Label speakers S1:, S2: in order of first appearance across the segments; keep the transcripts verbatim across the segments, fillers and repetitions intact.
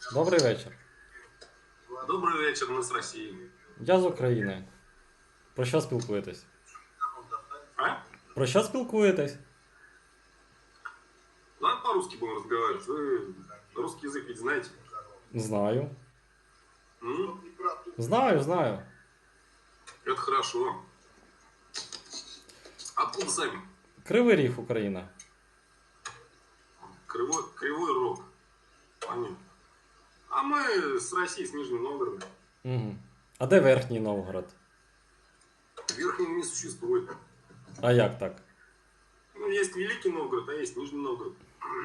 S1: Добрий вечір.
S2: Добрий вечір, ми з Росії.
S1: Я з України. Про що спілкуєтесь?
S2: А?
S1: Про що спілкуєтесь?
S2: Давай по-русски будем разговаривать. Вы русский язык ведь знаете?
S1: Знаю.
S2: М?
S1: Знаю, знаю.
S2: Это хорошо. Откуда сами?
S1: Кривий Ріг, Україна.
S2: Кривой, Кривой Рог. Понятно. А мы с России, с Нижнего Новгорода.
S1: Угу. А де Верхній Новгород?
S2: Верхнего не существует.
S1: А як так?
S2: Ну, есть Великий Новгород, а есть Нижний Новгород.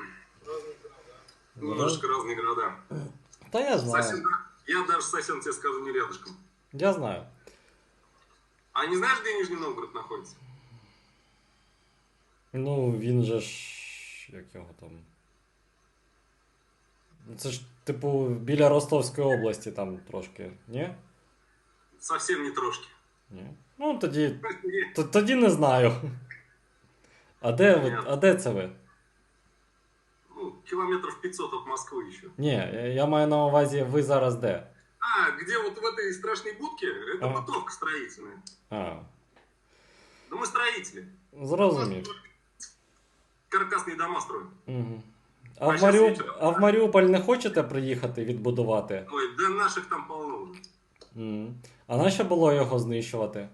S2: Немножко разные города.
S1: Та я
S2: Совсем,
S1: знаю.
S2: я даже совсем тебе скажу не рядышком.
S1: Я знаю.
S2: А не знаешь, где Нижний Новгород находится?
S1: Ну, він же ж. Як його там. Це ж, типу, біля Ростовської області там трошки, ні?
S2: Совсем не трошки.
S1: Ні. Ну, тоді. т- Тоді не знаю. А де ви? А де це ви?
S2: Ну, километров пятьсот от Москвы еще.
S1: Ні, я я маю на увазі, ви зараз де?
S2: А, где вот в этой страшной будке, это
S1: Ага.
S2: бытовка строительная.
S1: А,
S2: Да мы строители.
S1: зрозумів.
S2: Каркасные дома строим.
S1: Угу. А,
S2: А
S1: в
S2: щас
S1: Маріуп...
S2: вечором.
S1: а в Маріуполь не хочете приїхати відбудувати?
S2: Ой, да наших там полно уже.
S1: М. А нащо було його знищувати?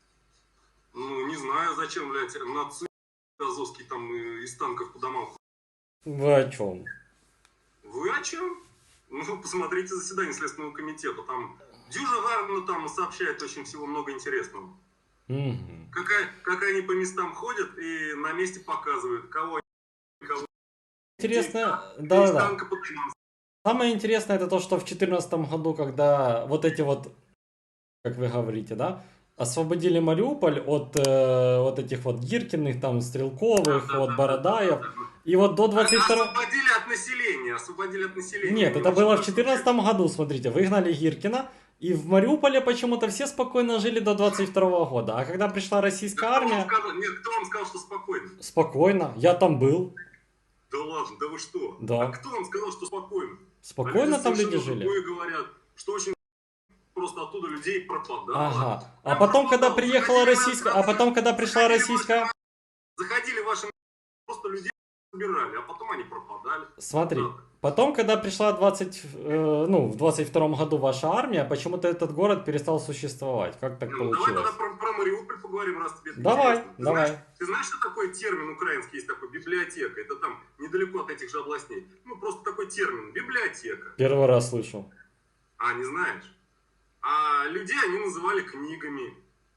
S2: Ну, не знаю, зачем, блядь, нацисты азовские там э, из танков по домам.
S1: Ви о чому?
S2: Вы о чем? Ну, посмотрите заседание Следственного комитета. Там Дюжа Гарна там сообщает очень всего много интересного.
S1: Угу.
S2: Как, как они по местам ходят и на месте показывают, кого они, кого
S1: Интересно,
S2: из
S1: да-да-да.
S2: танка по домам.
S1: Самое интересное это то, что в две тысячи четырнадцатом году, когда вот эти вот, как вы говорите, да, освободили Мариуполь от э, вот этих вот Гиркиных, там, Стрелковых,
S2: Да, да,
S1: вот
S2: да,
S1: Бородаев.
S2: да, да, да.
S1: И вот до двадцать второго...
S2: Освободили от населения, освободили от населения.
S1: Нет,
S2: Они
S1: это
S2: очень
S1: было в
S2: хорошо
S1: четырнадцатом году, смотрите, выгнали Гиркина, и в Мариуполе почему-то все спокойно жили до двадцать второго года. А когда пришла российская
S2: Да кто вам
S1: армия,
S2: сказал- Нет, кто вам сказал, что спокойно?
S1: спокойно, я там был,
S2: Да ладно, да вы что?
S1: Да.
S2: А кто вам сказал, что спокойно?
S1: спокойно
S2: А
S1: там люди
S2: совершенно
S1: жили.
S2: другое говорят, что очень просто оттуда людей пропадало.
S1: Ага. А
S2: Прям
S1: потом, когда
S2: пропадало.
S1: приехала
S2: Заходили
S1: российская,
S2: на-
S1: а потом, когда пришла
S2: заходили
S1: российская...
S2: ваши- Заходили ваши просто людей собирали, а потом они пропадали.
S1: Смотри,
S2: Да.
S1: потом, когда пришла двадцать, э, ну, в двадцать втором году ваша армия, почему-то этот город перестал существовать. Как так
S2: Ну, давай
S1: получилось?
S2: тогда про, про Мариуполь поговорим, раз тебе это
S1: Давай,
S2: интересно. Ты
S1: давай.
S2: Знаешь, ты знаешь, что такое термин украинский есть такой, библиотека? Это там недалеко от этих же областей. Ну, просто такой термин, библиотека.
S1: Первый раз слышу.
S2: А, не знаешь? А людей они называли книгами.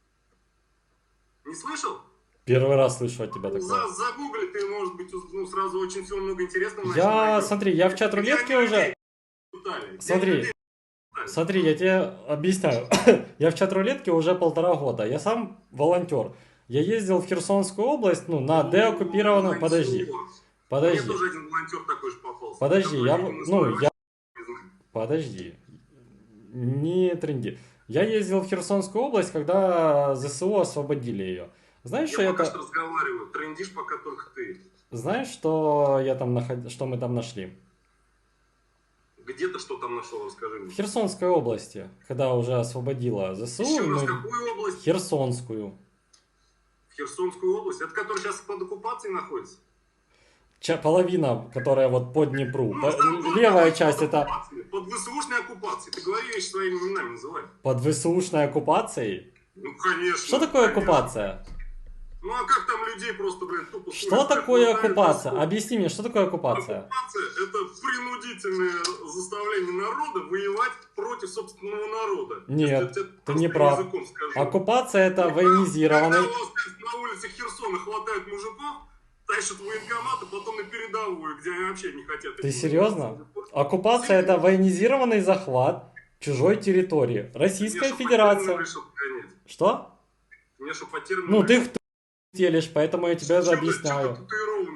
S2: Не слышал?
S1: Первый раз слышу от тебя
S2: За,
S1: такое.
S2: загугли, ты, может быть, уз- ну, сразу очень всего много интересного
S1: Я,
S2: найдешь.
S1: смотри, я в чат рулетки
S2: Где они
S1: уже...
S2: людей пытали? Где
S1: Смотри.
S2: они людей пытали?
S1: Смотри, я тебе объясняю. Я в чат рулетке уже полтора года. Я сам волонтер. Я ездил в Херсонскую область, ну, на деоккупированную...
S2: Волонтер.
S1: Подожди,
S2: Мне
S1: подожди,
S2: тоже один волонтер такой же попался.
S1: подожди,
S2: который
S1: я...
S2: видимо,
S1: Ну,
S2: свой
S1: я...
S2: вообще не знает.
S1: Подожди. Не тренди. Я ездил в Херсонскую область, когда ЗСУ освободили ее. Знаешь,
S2: Я
S1: что
S2: пока
S1: это...
S2: что разговариваю, трендишь пока только ты.
S1: Знаешь, что я там наход... что мы там нашли?
S2: Где ты что там нашел, расскажи
S1: В
S2: мне.
S1: Херсонской области, когда уже освободила ЗСУ,
S2: Еще раз,
S1: мы...
S2: какую область?
S1: Херсонскую.
S2: В Херсонскую область? Это которая сейчас под оккупацией находится?
S1: Ча- половина, которая вот по Днепру.
S2: Ну,
S1: По-
S2: там вот
S1: Левая
S2: под
S1: часть это
S2: оккупацией, под ВСУшной оккупацией. Ты говори вещи своими именами называй.
S1: под ВСУшной оккупацией.
S2: Ну, конечно.
S1: Что такое
S2: конечно.
S1: оккупация?
S2: Ну, а как там людей просто, блядь, тупо...
S1: Что
S2: ссорят, как
S1: такое
S2: хватают
S1: оккупация?
S2: песков?
S1: Объясни мне, что такое оккупация?
S2: Оккупация – это принудительное заставление народа воевать против собственного народа.
S1: Нет,
S2: Если я тебе
S1: ты
S2: простым
S1: не прав.
S2: языком скажу.
S1: Оккупация это
S2: Когда
S1: военизированный...
S2: у вас на улицах Херсона хватает мужиков, тащат в военкоматы, потом на передовую, где они вообще не хотят.
S1: Ты
S2: этим
S1: серьезно?
S2: заниматься.
S1: Оккупация это военизированный захват чужой территории. Российская
S2: Мне, чтоб
S1: Федерация.
S2: по термину решил понять.
S1: Что?
S2: Мне, чтоб по термину
S1: Ну ты
S2: решил.
S1: в телишь, поэтому я тебе
S2: Чё ты- чё
S1: объясняю.
S2: ты татуированный?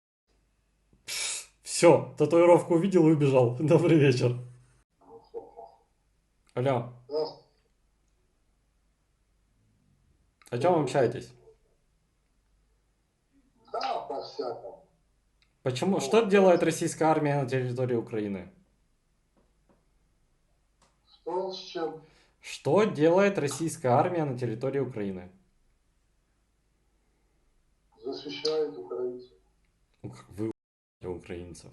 S1: Все, татуировку увидел и убежал. Добрый вечер. Алло, о чем общаетесь?
S3: Да, по-всякому.
S1: Почему? Что делает российская армия на территории Украины?
S3: Что с чем?
S1: Что делает российская армия на территории Украины?
S3: Защищает украинцев.
S1: Ну, как вы у***ете украинцев.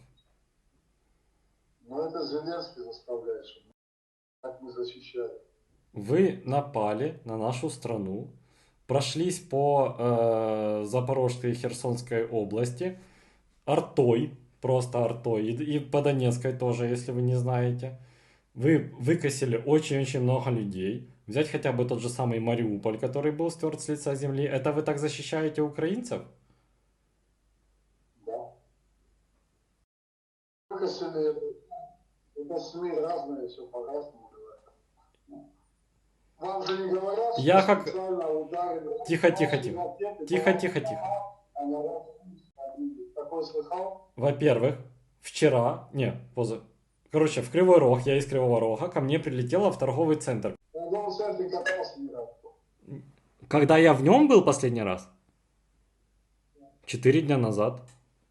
S3: Но это Зеленский заставляет, чтобы так мы защищаем.
S1: Вы напали на нашу страну, прошлись по э, Запорожской и Херсонской области артой, просто артой, и, и по Донецкой тоже, если вы не знаете. Вы выкосили очень-очень много людей. Взять хотя бы тот же самый Мариуполь, который был стерт с лица земли. Это вы так защищаете украинцев?
S3: Да. Только если это СМИ разные, все по-разному говорят. Вам же не говорят, что
S1: Я как...
S3: специально ударили...
S1: Тихо, тихо, тихо. Тихо, тихо, тихо.
S3: А на Россию такой слыхал?
S1: Во-первых, вчера, не, поза, короче, в Кривой Рог, я из Кривого Рога, ко мне прилетело в торговый центр.
S3: В торговом центре катался не раз.
S1: Когда я в нем был последний раз? Четыре дня назад.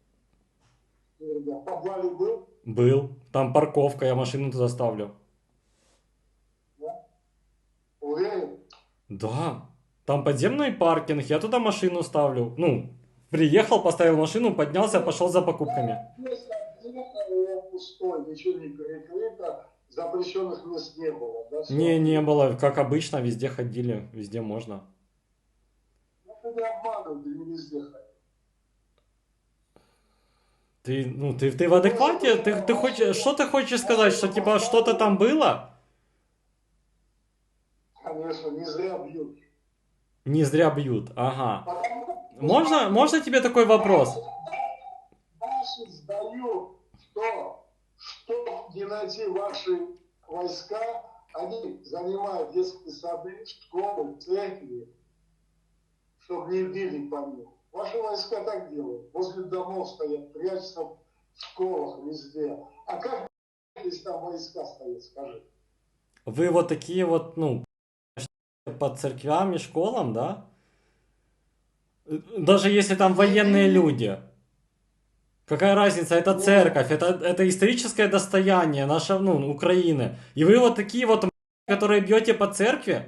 S3: В подвале был?
S1: Был. Там парковка, я машину туда ставлю.
S3: Да? Уверен?
S1: Да. Там подземный паркинг, я туда машину ставлю. Ну, приехал, поставил машину, поднялся, пошел за покупками.
S3: Пустой, ничего не перекрыто, запрещенных мест не было, да?
S1: Не, не было, как обычно, везде ходили, везде можно.
S3: Ну, ты не обманывай, ты не везде ходил.
S1: Ты, ну, ты, ты в адеквате? Ты, ты хочешь, что ты хочешь сказать, что типа что-то там было?
S3: Конечно, не зря бьют.
S1: Не зря бьют, ага.
S3: Потому что
S1: Можно, можно тебе такой вопрос?
S3: наши сдают, что, что не найти ваши войска, они занимают детские сады, школы, церкви, чтобы не били по ним. Ваши войска так делают. Возле домов стоят, прячутся в школах, везде. А как если там войска стоят, скажи?
S1: Вы вот такие вот, ну, по церквям и школам, да? Даже если там военные люди. Какая разница, это церковь, это, это историческое достояние наше, ну, Украины. И вы вот такие вот, которые бьете по церкви?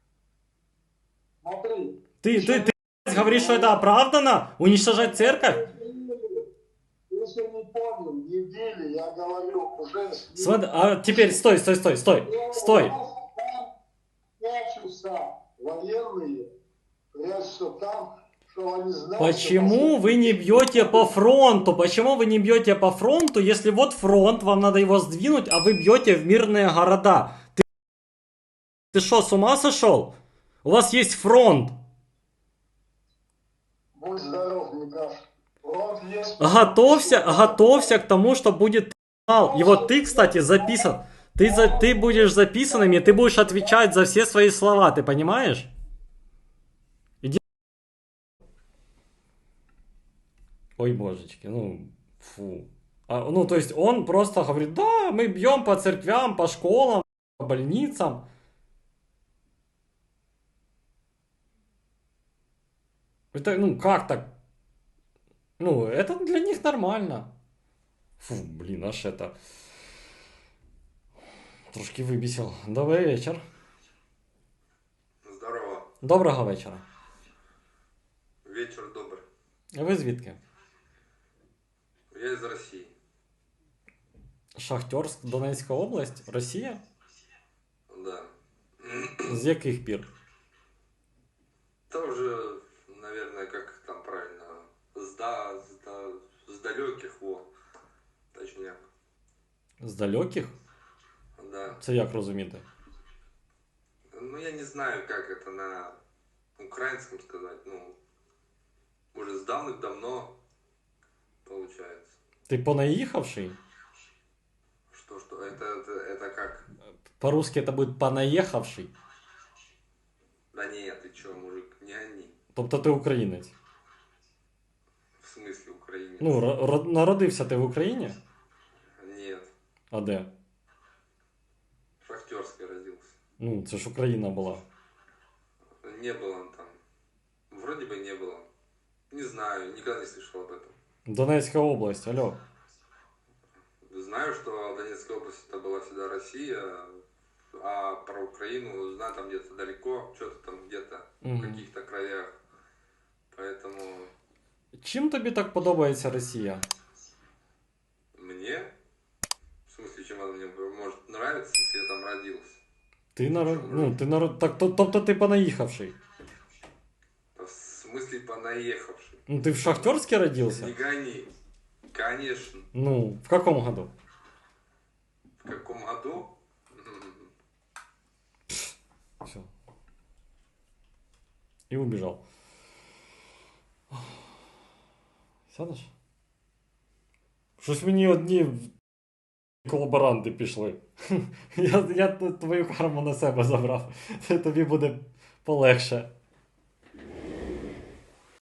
S3: Смотри.
S1: Ты, ты, ты говоришь, что это оправдано? Уничтожать церковь?
S3: Если не понял, не били, я говорю, уже...
S1: Смотри, а теперь стой, стой, стой, стой, стой.
S3: Прячутся военные, прячутся там, что они знают...
S1: Почему вы не бьете по фронту? Почему вы не бьете по фронту, если вот фронт, вам надо его сдвинуть, а вы бьете в мирные города? Ты, ты что, с ума сошел? У вас есть фронт.
S3: Будь здоров, Никаш. Фронт есть...
S1: Готовься, готовься к тому, что будет трибунал. И вот ты, кстати, записан. Ты, за, ты будешь записанным, и ты будешь отвечать за все свои слова, ты понимаешь? Иди. Ой, божечки, ну, фу. А, ну, то есть он просто говорит, да, мы бьем по церквям, по школам, по больницам. Это, ну, как так? Ну, это для них нормально. Фу, блин, аж это... Трошки вибісив. Добрий вечір.
S2: Здорово.
S1: Доброго вечора.
S2: Вечер добрый.
S1: Ви звідки?
S2: Я из России.
S1: Шахтерськ, Донецька область, Росія?
S2: Да.
S1: З яких пір?
S2: Это уже, наверное, как там правильно, с, да, с, да, с далеких, во, точняк.
S1: З далеких?
S2: Да.
S1: Це як розуміти?
S2: Ну, я не знаю, как это на украинском сказать, ну, уже с давных-давно получается.
S1: Ти понаїхавший?
S2: Что, что, это, это, это как?
S1: По-русски это будет понаїхавший?
S2: Да нет, ты чё, мужик, не они.
S1: Тобто ти українець?
S2: В смысле украинец?
S1: Ну, ро- народився ти в Україні?
S2: Нет,
S1: А де?
S2: в Шахтерской родился.
S1: Ну, це ж Україна була.
S2: Не было он там. Вроде бы не было. Не знаю, никогда не слышал об этом.
S1: Донецька область, алло.
S2: Знаю, что Донецкая область это была всегда Россия. а про Украину знаю там где-то далеко, что-то там где-то в
S1: Мгм.
S2: каких-то краях. Поэтому
S1: Чим тобі так подобається Росія?
S2: мне, в смысле, чем она мне может нравиться, если я там родился?
S1: Ти народ...
S2: Чому?
S1: ну, ти народ... так, то- тобто ти понаїхавший.
S2: В смысле, понаехавший.
S1: Ну, ти в Шахтерське
S2: Не
S1: родився?
S2: гони. Конечно.
S1: Ну, в каком году?
S2: В каком году? М,
S1: Все. І убіжав. Сядеш? Щось мені одні колаборанти пішли. Я, я твою карму на себе забрав. Тобі буде полегше.